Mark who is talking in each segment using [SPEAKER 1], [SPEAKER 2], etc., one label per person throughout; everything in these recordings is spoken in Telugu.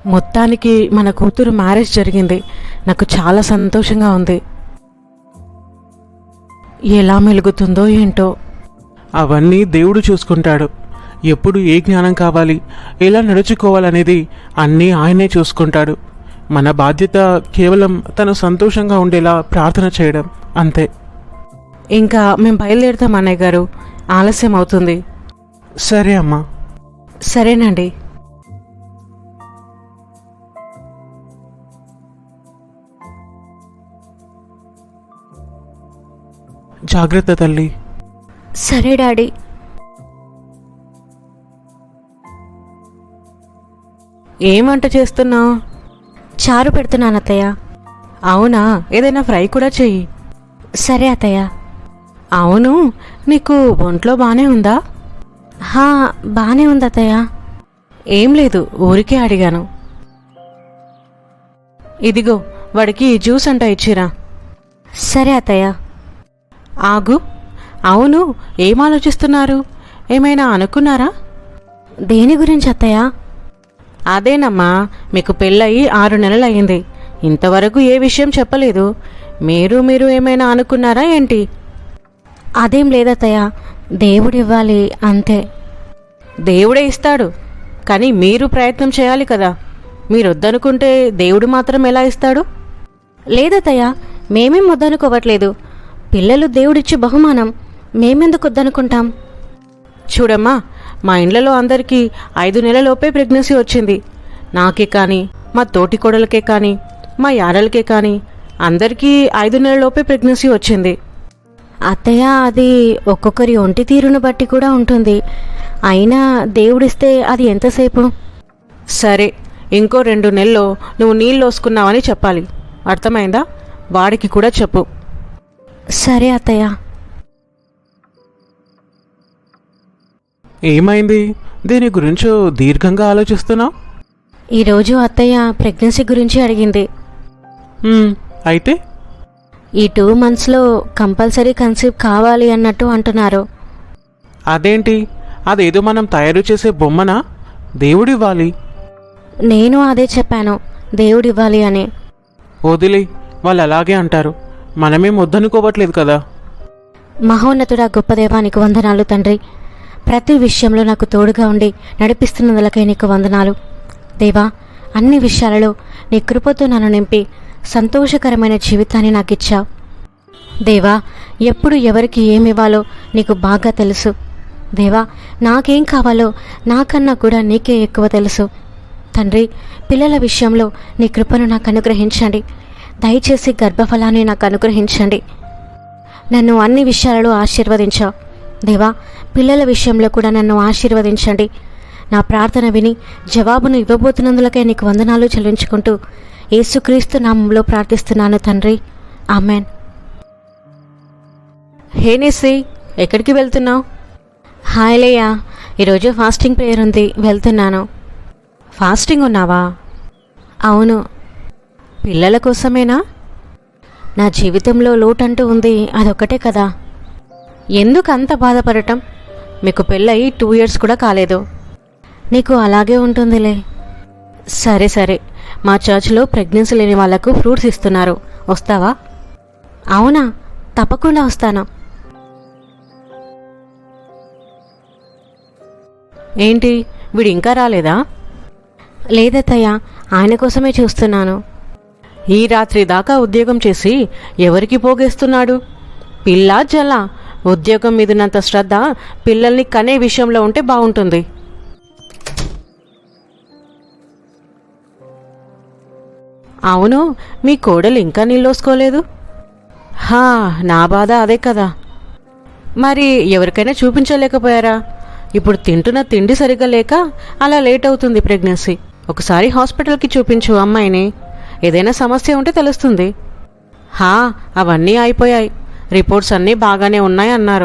[SPEAKER 1] మొత్తానికి మన కూతురు మ్యారేజ్ జరిగింది. నాకు చాలా సంతోషంగా ఉంది. ఎలా మెలుగుతుందో ఏంటో.
[SPEAKER 2] అవన్నీ దేవుడు చూసుకుంటాడు. ఎప్పుడు ఏ జ్ఞానం కావాలి, ఎలా నడుచుకోవాలనేది అన్నీ ఆయనే చూసుకుంటాడు. మన బాధ్యత కేవలం తను సంతోషంగా ఉండేలా ప్రార్థన చేయడం అంతే.
[SPEAKER 1] ఇంకా మేము బయలుదేరుతాం అన్నయ్య గారు, ఆలస్యం అవుతుంది.
[SPEAKER 2] సరే అమ్మా.
[SPEAKER 1] సరేనండి.
[SPEAKER 2] జాగ్రత్త తల్లి.
[SPEAKER 3] సరే డాడీ.
[SPEAKER 1] ఏం వంట చేస్తున్నావు?
[SPEAKER 3] చారు పెడుతున్నాను అత్తయ్య.
[SPEAKER 1] అవునా, ఏదైనా ఫ్రై కూడా చెయ్యి.
[SPEAKER 3] సరే అత్తయ్య.
[SPEAKER 1] అవును, నీకు ఒంట్లో బానే ఉందా?
[SPEAKER 3] బానే ఉంది అత్తయ్య.
[SPEAKER 1] ఏం లేదు, ఊరికే అడిగాను. ఇదిగో వాడికి జ్యూస్ అంట ఇచ్చిరా.
[SPEAKER 3] సరే అత్తయ్య.
[SPEAKER 1] ఆగు. అవును, ఏం ఆలోచిస్తున్నారు? ఏమైనా అనుకున్నారా?
[SPEAKER 3] దేని గురించి అత్తయ్య?
[SPEAKER 1] అదేనమ్మా, మీకు పెళ్ళయి 6 నెలలు అయింది. ఇంతవరకు ఏ విషయం చెప్పలేదు. మీరు ఏమైనా అనుకున్నారా ఏంటి?
[SPEAKER 3] అదేం లేదత్తయ్య, దేవుడివ్వాలి అంతే.
[SPEAKER 1] దేవుడే ఇస్తాడు, కానీ మీరు ప్రయత్నం చేయాలి కదా. మీరొద్దనుకుంటే దేవుడు మాత్రం ఎలా ఇస్తాడు?
[SPEAKER 3] లేదత్తయ్య, మేమేం వద్దనుకోవట్లేదు. పిల్లలు దేవుడిచ్చే బహుమానం, మేమెందుకు వద్దనుకుంటాం?
[SPEAKER 1] చూడమ్మా, మా ఇండ్లలో అందరికీ 5 నెలలలోపే ప్రెగ్నెన్సీ వచ్చింది. నాకే కానీ, మా తోటి కోడలకే కానీ, మా యారలకే కానీ అందరికీ 5 నెలలలోపే ప్రెగ్నెన్సీ వచ్చింది.
[SPEAKER 3] అత్తయ్య, అది ఒక్కొక్కరి ఒంటి తీరును బట్టి కూడా ఉంటుంది. అయినా దేవుడిస్తే అది ఎంతసేపు?
[SPEAKER 1] సరే, ఇంకో 2 నెలల్లో నువ్వు నీళ్ళు వసుకున్నావని చెప్పాలి. అర్థమైందా? వాడికి కూడా చెప్పు.
[SPEAKER 3] సరే అత్తయ్య.
[SPEAKER 2] ఏమైంది? దీని గురించో దీర్ఘంగా ఆలోచిస్తున్నావు?
[SPEAKER 3] ఈరోజు అత్తయ్య ప్రెగ్నెన్సీ గురించి అడిగింది.
[SPEAKER 2] అయితే
[SPEAKER 3] ఈ 2 monthsలో కంపల్సరీ కన్సీవ్ కావాలి అన్నట్టు అంటున్నారు.
[SPEAKER 2] అదేంటి? అదేదో మనం తయారు చేసే బొమ్మనా? దేవుడివ్వాలి.
[SPEAKER 3] నేను అదే చెప్పాను, దేవుడివ్వాలి అని.
[SPEAKER 2] వదిలే, వాళ్ళు అలాగే అంటారు. మనమేం వద్దనుకోవట్లేదు కదా.
[SPEAKER 3] మహోన్నతుడా, గొప్ప దేవానికి వందనాలు తండ్రి. ప్రతి విషయంలో నాకు తోడుగా ఉండి నడిపిస్తున్నందులకై నీకు వందనాలు దేవా. అన్ని విషయాలలో నీ కృపతో నన్ను నింపి సంతోషకరమైన జీవితాన్ని నాకు ఇచ్చావు దేవా. ఎప్పుడు ఎవరికి ఏమివ్వాలో నీకు బాగా తెలుసు దేవా. నాకేం కావాలో నాకన్నా కూడా నీకే ఎక్కువ తెలుసు తండ్రి. పిల్లల విషయంలో నీ కృపను నాకు అనుగ్రహించండి. దయచేసి గర్భఫలాన్ని నాకు అనుగ్రహించండి. నన్ను అన్ని విషయాలలో ఆశీర్వదించావు దేవా. పిల్లల విషయంలో కూడా నన్ను ఆశీర్వదించండి. నా ప్రార్థన విని జవాబును ఇవ్వబోతున్నందులకే నీకు వందనాలు చెల్లించుకుంటూ యేసుక్రీస్తు నామంలో ప్రార్థిస్తున్నాను తండ్రి, ఆమెన్.
[SPEAKER 1] హే నిస్సి, ఎక్కడికి వెళ్తున్నావు?
[SPEAKER 3] హాయ్ లేయా, ఈరోజు ఫాస్టింగ్ ప్రేయర్ ఉంది, వెళ్తున్నాను.
[SPEAKER 1] ఫాస్టింగ్ ఉన్నావా?
[SPEAKER 3] అవును.
[SPEAKER 1] పిల్లల కోసమేనా?
[SPEAKER 3] నా జీవితంలో లోటంటూ ఉంది, అదొక్కటే కదా.
[SPEAKER 1] ఎందుకు అంత బాధపడటం? మీకు పెళ్ళయి 2 years కూడా కాలేదు.
[SPEAKER 3] నీకు అలాగే ఉంటుందిలే.
[SPEAKER 1] సరే సరే, మా చర్చ్లో ప్రెగ్నెన్సీ లేని వాళ్లకు ఫ్రూట్స్ ఇస్తున్నారు, వస్తావా?
[SPEAKER 3] అవునా, తప్పకుండా వస్తాను.
[SPEAKER 1] ఏంటి, వీడు ఇంకా రాలేదా?
[SPEAKER 3] లేదత్తయ్య, ఆయన కోసమే చూస్తున్నాను.
[SPEAKER 1] ఈ రాత్రి దాకా ఉద్యోగం చేసి ఎవరికి పోగేస్తున్నాడు? పిల్ల జల. ఉద్యోగం మీదున్నంత శ్రద్ధ పిల్లల్ని కనే విషయంలో ఉంటే బాగుంటుంది. అవును, మీ కోడలు ఇంకా నీళ్ళోసుకోలేదు? నా బాధ అదే కదా. మరి ఎవరికైనా చూపించలేకపోయారా? ఇప్పుడు తింటున్న తిండి సరిగ్గా లేక అలా లేట్ అవుతుంది ప్రెగ్నెన్సీ. ఒకసారి హాస్పిటల్కి చూపించు అమ్మాయిని. ఏదైనా సమస్య ఉంటే తెలుస్తుంది. అవన్నీ అయిపోయాయి. రిపోర్ట్స్ అన్నీ బాగానే ఉన్నాయి అన్నారు.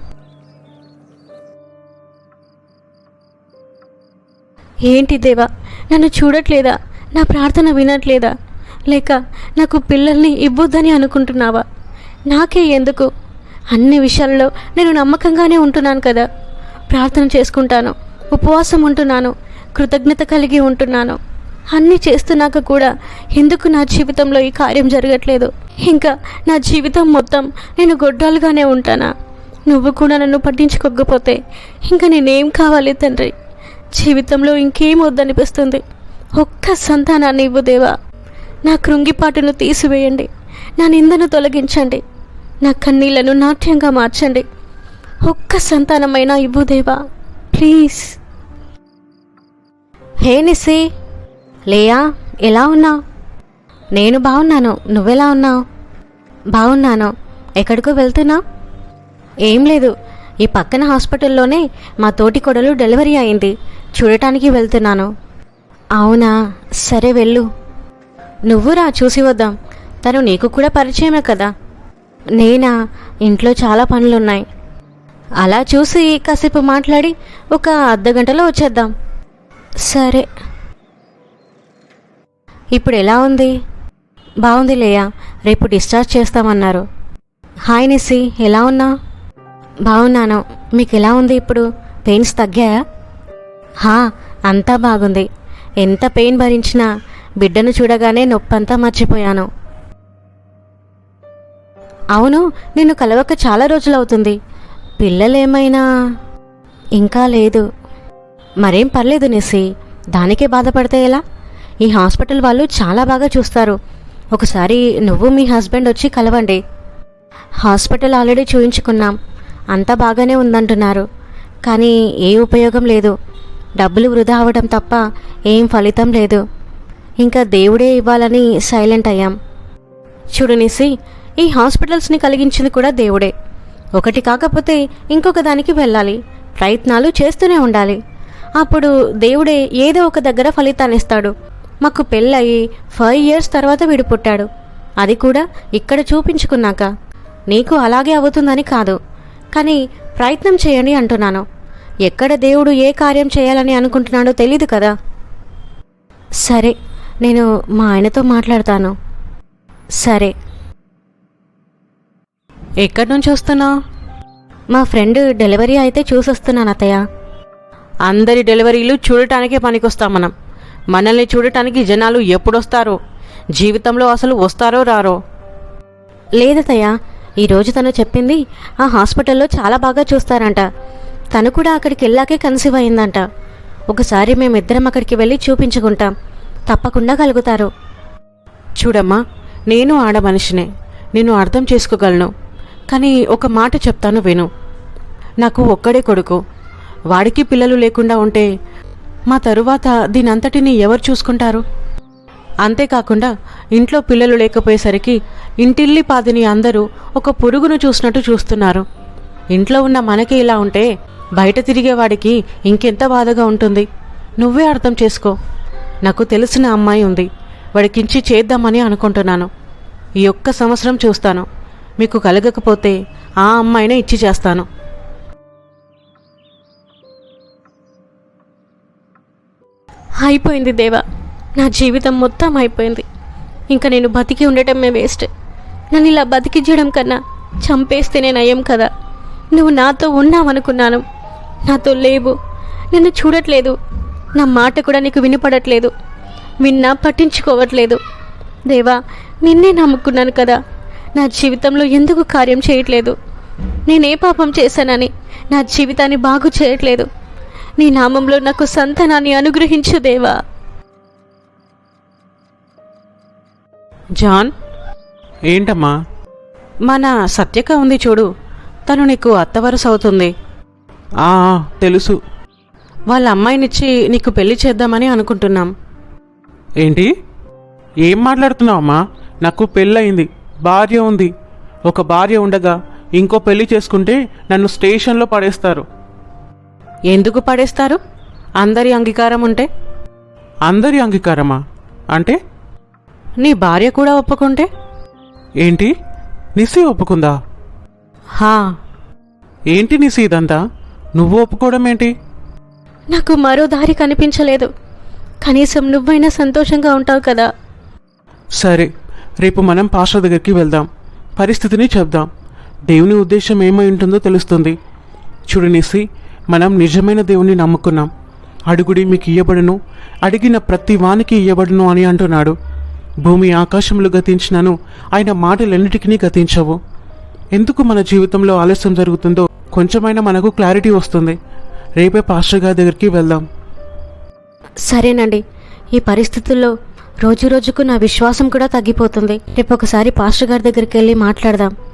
[SPEAKER 3] ఏంటి దేవా, నన్ను చూడట్లేదా? నా ప్రార్థన వినట్లేదా? లేక నాకు పిల్లల్ని ఇవ్వొద్దని అనుకుంటున్నావా? నాకే ఎందుకు? అన్ని విషయాల్లో నేను నమ్మకంగానే ఉంటున్నాను కదా. ప్రార్థన చేసుకుంటాను, ఉపవాసం ఉంటున్నాను, కృతజ్ఞత కలిగి ఉంటున్నాను. అన్నీ చేస్తున్నాక కూడా ఎందుకు నా జీవితంలో ఈ కార్యం జరగట్లేదు? ఇంకా నా జీవితం మొత్తం నేను గొడ్రాలుగానే ఉంటానా? నువ్వు కూడా నన్ను పట్టించుకోకపోతే ఇంకా నేనేం కావాలి తండ్రి? జీవితంలో ఇంకేం వద్దనిపిస్తుంది. ఒక్క సంతానాన్ని ఇవ్వు దేవా. నా కృంగిపాటును తీసివేయండి. నా నిందను తొలగించండి. నా కన్నీళ్లను నాట్యంగా మార్చండి. ఒక్క సంతానమైనా ఇవ్వు దేవా, ప్లీజ్. హే నిస్సి, లేయా, ఎలా ఉన్నావు? నేను బాగున్నాను. నువ్వెలా ఉన్నావు? బాగున్నాను. ఎక్కడికో వెళ్తున్నావు? ఏం లేదు, ఈ పక్కన హాస్పిటల్లోనే మా తోటి కొడలు డెలివరీ అయింది, చూడటానికి వెళ్తున్నాను. అవునా, సరే వెళ్ళు. నువ్వురా, చూసి వద్దాం. తను నీకు కూడా పరిచయమే కదా. నేనా, ఇంట్లో చాలా పనులున్నాయి. అలా చూసి కాసేపు మాట్లాడి ఒక అర్ధగంటలో వచ్చేద్దాం. సరే. ఇప్పుడు ఎలా ఉంది? బాగుంది లేయా, రేపు డిశ్చార్జ్ చేస్తామన్నారు. హాయ్ నిస్సి, ఎలా ఉన్నావు? బాగున్నాను. మీకు ఎలా ఉంది ఇప్పుడు? పెయిన్స్ తగ్గాయా? అంతా బాగుంది. ఎంత పెయిన్ భరించినా బిడ్డను చూడగానే నొప్పంతా మర్చిపోయాను. అవును, నిన్ను కలవక చాలా రోజులవుతుంది. పిల్లలేమైనా? ఇంకా లేదు. మరేం పర్లేదు నిస్సి, దానికే బాధపడితే ఎలా? ఈ హాస్పిటల్ వాళ్ళు చాలా బాగా చూస్తారు. ఒకసారి నువ్వు మీ హస్బెండ్ వచ్చి కలవండి. హాస్పిటల్ ఆల్రెడీ చూయించుకున్నాం, అంతా బాగానే ఉందంటున్నారు. కానీ ఏ ఉపయోగం లేదు. డబ్బులు వృధా అవ్వడం తప్ప ఏం ఫలితం లేదు. ఇంకా దేవుడే ఇవ్వాలని సైలెంట్ అయ్యాం. చూడు నిస్సి, ఈ హాస్పిటల్స్ని కలిగించింది కూడా దేవుడే. ఒకటి కాకపోతే ఇంకొక దానికి వెళ్ళాలి. ప్రయత్నాలు చేస్తూనే ఉండాలి. అప్పుడు దేవుడే ఏదో ఒక దగ్గర ఫలితాన్ని ఇస్తాడు. మాకు పెళ్ళయి 5 years తర్వాత వీడు పుట్టాడు. అది కూడా ఇక్కడ చూపించుకున్నాక. నీకు అలాగే అవుతుందని కాదు, కానీ ప్రయత్నం చేయండి అంటున్నాను. ఎక్కడ దేవుడు ఏ కార్యం చేయాలని అనుకుంటున్నాడో తెలీదు కదా. సరే, నేను మా ఆయనతో మాట్లాడతాను. సరే.
[SPEAKER 1] ఎక్కడి నుంచి వస్తున్నావు?
[SPEAKER 3] మా ఫ్రెండ్ డెలివరీ అయితే చూసొస్తున్నాను అత్తయ్య.
[SPEAKER 1] అందరి డెలివరీలు చూడటానికే పనికొస్తాం మనం. మనల్ని చూడటానికి జనాలు ఎప్పుడొస్తారో, జీవితంలో అసలు వస్తారో రారో.
[SPEAKER 3] లేదత్తయ్య, ఈరోజు తను చెప్పింది ఆ హాస్పిటల్లో చాలా బాగా చూస్తారంట. తను కూడా అక్కడికి వెళ్ళాకే కన్సీవ్ అయిందంట. ఒకసారి మేమిద్దరం అక్కడికి వెళ్ళి చూపించుకుంటాం, తప్పకుండా కలుగుతారు.
[SPEAKER 1] చూడమ్మా, నేను ఆడ మనిషినే, నేను అర్థం చేసుకోగలను. కానీ ఒక మాట చెప్తాను విను. నాకు ఒక్కడే కొడుకు. వాడికి పిల్లలు లేకుండా ఉంటే మా తరువాత దీనంతటినీ ఎవరు చూసుకుంటారు? అంతేకాకుండా ఇంట్లో పిల్లలు లేకపోయేసరికి ఇంటిల్లి పాదిని అందరూ ఒక పురుగును చూసినట్టు చూస్తున్నారు. ఇంట్లో ఉన్న మనకి ఇలా ఉంటే బయట తిరిగేవాడికి ఇంకెంత బాధగా ఉంటుంది. నువ్వే అర్థం చేసుకో. నాకు తెలిసిన అమ్మాయి ఉంది, వాడికించి చేద్దామని అనుకుంటున్నాను. ఈ ఒక్క సంవత్సరం చూస్తాను. మీకు కలగకపోతే ఆ అమ్మాయినే ఇచ్చి చేస్తాను.
[SPEAKER 3] అయిపోయింది దేవా, నా జీవితం మొత్తం అయిపోయింది. ఇంకా నేను బతికి ఉండటమే వేస్ట్. నన్ను ఇలా బతికించడం కన్నా చంపేస్తేనే నయం కదా. నువ్వు నాతో ఉన్నావనుకున్నాను, నాతో లేవు. నిన్ను చూడట్లేదు. నా మాట కూడా నీకు వినపడట్లేదు. విన్నా పట్టించుకోవట్లేదు. దేవా, నిన్నే నమ్ముకున్నాను కదా. నా జీవితంలో ఎందుకు కార్యం చేయట్లేదు? నేనే పాపం చేశానని నా జీవితాన్ని బాగు చేయట్లేదు? నీ నామంలో నాకు సంతానాన్ని అనుగ్రహించు దేవా.
[SPEAKER 1] జాన్,
[SPEAKER 2] ఏంటమ్మా?
[SPEAKER 1] మన సత్యక ఉంది చూడు, తను నీకు అత్తవరస అవుతుంది.
[SPEAKER 2] తెలుసు.
[SPEAKER 1] వాళ్ళ అమ్మాయినిచ్చి నీకు పెళ్లి చేద్దామని అనుకుంటున్నాం.
[SPEAKER 2] ఏంటి? ఏం మాట్లాడుతున్నావమ్మా? నాకు పెళ్ళయింది, భార్య ఉంది. ఒక భార్య ఉండగా ఇంకో పెళ్లి చేసుకుంటే నన్ను స్టేషన్లో పడేస్తారు.
[SPEAKER 1] ఎందుకు పడేస్తారు? అందరి అంగీకారం ఉంటే.
[SPEAKER 2] అందరి అంగీకారమా? అంటే?
[SPEAKER 1] నీ భార్య కూడా ఒప్పుకుంటే.
[SPEAKER 2] ఏంటి? నిస్సి ఒప్పుకుందా? ఏంటి నిస్సి ఇదంతా? నువ్వు ఒప్పుకోవడం ఏంటి?
[SPEAKER 3] నాకు మరో దారి కనిపించలేదు. కనీసం నువ్వైనా సంతోషంగా ఉంటావు కదా.
[SPEAKER 2] సరే, రేపు మనం పాస్టర్ దగ్గరికి వెళ్దాం, పరిస్థితిని చెప్దాం. దేవుని ఉద్దేశం ఏమై ఉంటుందో తెలుస్తుంది. చూడు నిస్సి, మనం నిజమైన దేవుని నమ్ముకున్నాం. అడుగుడి మీకు ఇయ్యబడును, అడిగిన ప్రతి వానికి ఇయ్యబడును అని అంటున్నాడు. భూమి ఆకాశములు గతించినను ఆయన మాటలన్నిటికీ గతించవు. ఎందుకు మన జీవితంలో ఆలస్యం జరుగుతుందో కొంచెమైనా మనకు క్లారిటీ వస్తుంది. రేపే పాస్టర్ గారి దగ్గరికి వెళ్దాం.
[SPEAKER 3] సరేనండి. ఈ పరిస్థితుల్లో రోజు రోజుకు నా విశ్వాసం కూడా తగ్గిపోతుంది. రేపు ఒకసారి పాస్టర్ గారి దగ్గరికి వెళ్ళి మాట్లాడదాం.